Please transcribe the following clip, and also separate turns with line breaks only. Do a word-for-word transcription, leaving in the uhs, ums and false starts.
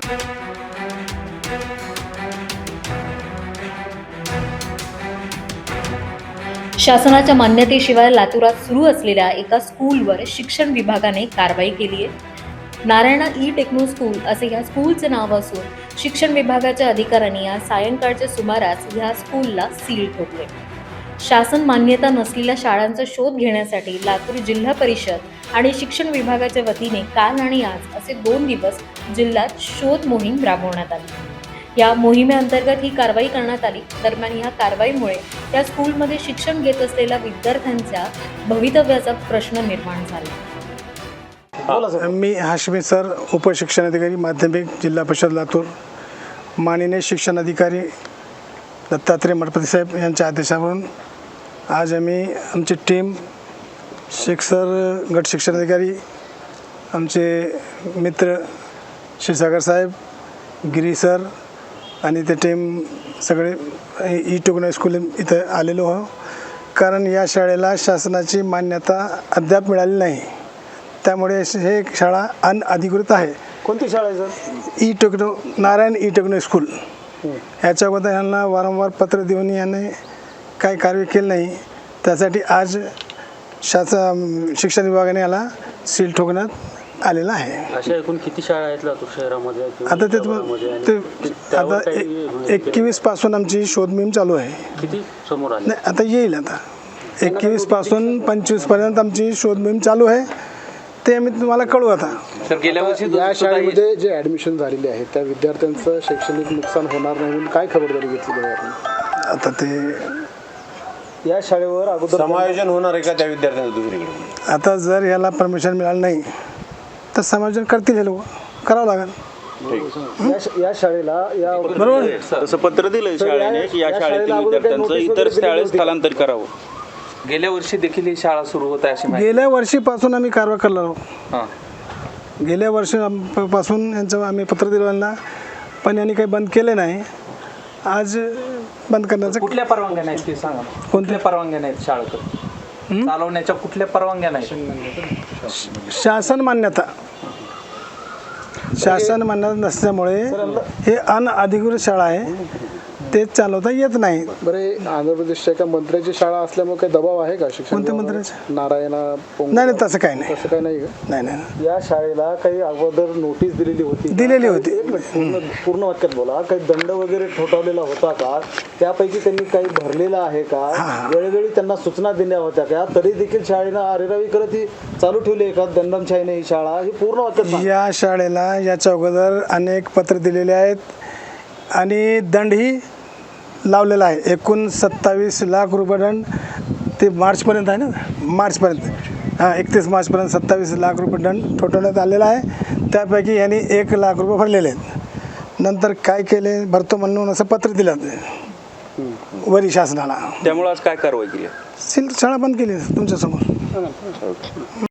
शासनाच्या मान्यतेशिवाय लातूरात सुरू असलेल्या एका स्कूलवर शिक्षण विभागाने कारवाई केली आहे। नारायणा ई टेक्नो स्कूल असे या स्कूलचे नाव असून शिक्षण विभागाच्या अधिकाऱ्यांनी आज सायंकाळच्या सुमारास ह्या स्कूलला सील ठोकले। शासन मान्यता नसलेल्या शाळांचा शोध घेण्यासाठी लातूर जिल्हा परिषद आणि शिक्षण विभागाच्या वतीने काल आणि आज असे दोन दिवस जिल्ह्यात शोध मोहीम राबवण्यात आली। या मोहिमेअंतर्गत ही कारवाई करण्यात आली। दरम्यान या कारवाईमुळे त्या स्कूलमध्ये शिक्षण घेत असलेल्या विद्यार्थ्यांच्या भवितव्याचा प्रश्न निर्माण झाला।
मी हाशमी सर, उपशिक्षणाधिकारी माध्यमिक, जिल्हा परिषद लातूर। माननीय शिक्षण अधिकारी दत्तात्रय मठपती साहेब यांच्या आदेशावरून आज आम्ही आमची टीम शेख सर, गट शिक्षण अधिकारी, आमचे मित्र क्षीरसागर साहेब, गिरी सर आणि ते टीम सगळे ई टेक्नो स्कूल इथं आलेलो आहो। कारण या शाळेला शासनाची मान्यता अद्याप मिळाली नाही, त्यामुळे हे शाळा अनधिकृत आहे।
कोणती शाळा आहे sir?
E techno, Narayan E techno school. याच्या अगोदर यांना वारंवार पत्र देऊन याने काही कार्य केलं नाही, त्यासाठी आज शासन शिक्षण विभागाने याला सील ठोकण्यात आलेला आहे।
अशा एकूण किती शाळा आहेत लातूर शहरामध्ये?
आता ते ते आता एकवीस पासून आमची शोध मोहीम चालू आहे।
किती समोर आले?
नाही, आता येईल। आता एकवीस पासून पंचवीस पर्यंत आमची शोध मोहीम चालू आहे, ते आम्ही तुम्हाला कळवू। आता
सर, गेल्या वर्षी या शाळेमध्ये जे ॲडमिशन झालेले आहे त्या विद्यार्थ्यांचं शैक्षणिक नुकसान होणार नाही म्हणून काय खबरदारी घेतली आहे?
आता ते
या शाळेवर अगोदर
समायोजन होणार आहे का त्या विद्यार्थ्यांचं दुसरीकडे?
आता जर याला परमिशन मिळालं नाही तर समायोजन करतील, हे लोक करावं लागेल।
या शाळेला या
बरोबर
तसं पत्र दिलं शाळेने की या शाळेतील विद्यार्थ्यांचं इतर शाळेत स्थलांतर करावं।
गेल्या वर्षी देखील ही शाळा सुरू होत आहे अशी माहिती?
गेल्या वर्षीपासून आम्ही कारवाई करणार आहोत।
हां,
गेल्या वर्षीपासून यांचं आम्ही पत्र दिलं यांना, पण यांनी काही बंद केले नाही। आज बंद करण्याचं
कुठल्या परवानग्या नाहीत ते सांगा? कोणत्या परवानग्या नाहीत शाळेकडे चालवण्याच्या? कुठल्या परवानग्या नाहीत?
शासन मान्यता शासन मान्यता नसल्यामुळे हे अनधिकृत शाळा आहे, ते चालवता येत नाही।
बरे, आंध्र प्रदेशच्या एका मंत्र्याची शाळा असल्यामुळे काही दबाव आहे का शिक्षण?
कोणत्या मंत्र्याचं?
नारायणा
नाही नाही, तसं काही नाही,
तसं काही नाही का?
नाही नाही
या शाळेला काही अगोदर नोटीस दिलेली होती?
दिलेली होती।
एक मिनिट, पूर्ण पूर्ण वाक्यात बोला। काही दंड वगैरे ठोठावलेला होता का? त्यापैकी त्यांनी काही भरलेला आहे का? वेळोवेळी त्यांना सूचना दिल्या होत्या का? तरी देखील शाळेनं आरेरावी करत ही चालू ठेवली आहे का दंडमशाहीने ही शाळा? ही पूर्ण वाक्यात।
या शाळेला याच्या अगोदर अनेक पत्र दिलेले आहेत आणि दंडही लावलेला आहे। एकूण सत्तावीस लाख रुपये दंड ते मार्चपर्यंत आहे ना, मार्चपर्यंत, हां एकतीस मार्चपर्यंत सत्तावीस लाख रुपये दंड ठोठवण्यात आलेला आहे। त्यापैकी यांनी एक लाख रुपये भरलेले आहेत। नंतर काय केले, भरतो म्हणून असं पत्र दिलं वरी शासनाला,
त्यामुळे आज काय कारवाई केली?
सील शाळा बंद केली तुमच्यासमोर।